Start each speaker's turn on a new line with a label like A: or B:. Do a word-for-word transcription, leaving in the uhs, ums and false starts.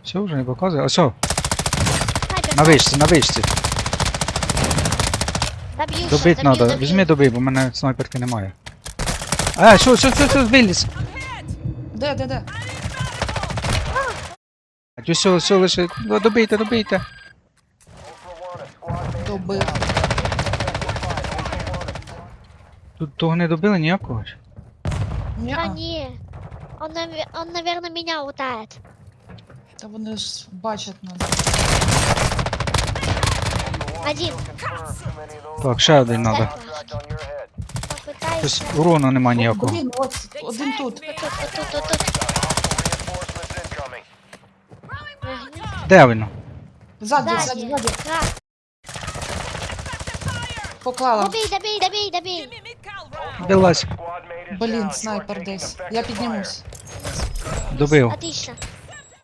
A: Все, вже не показує. Ось, о,
B: Снайпер,
A: на вишці, на вишці.
B: доб'ю ще,
A: Добить
B: доб'ю,
A: треба.
B: доб'ю.
A: Візьми добий, бо в мене снайперки немає. А, що, що, що, що, виліз.
C: Де, де, де?
A: А все, все лише. Ну, добийте, добийте.
C: Добив.
A: Тут того не добили ніякого ж.
B: Да
C: Ня.
B: не. Он, наве- он, наверное, меня утает.
C: Та вони ж бачать нас.
B: Один.
A: Так, ще один треба.
B: Попытайся.
A: Щось урону нема ніякого.
C: Блін, от один тут.
B: Вот тут, вот тут, вот тут. Мгм.
A: Де він?
C: Ззаді, ззаді,
B: Сзади.
C: ззаді.
B: Раз.
C: Поклала.
B: Добей, добей, добей, добей.
A: Вилазь.
C: Блін, снайпер десь. Я піднімусь.
A: Добив.
B: Отлично.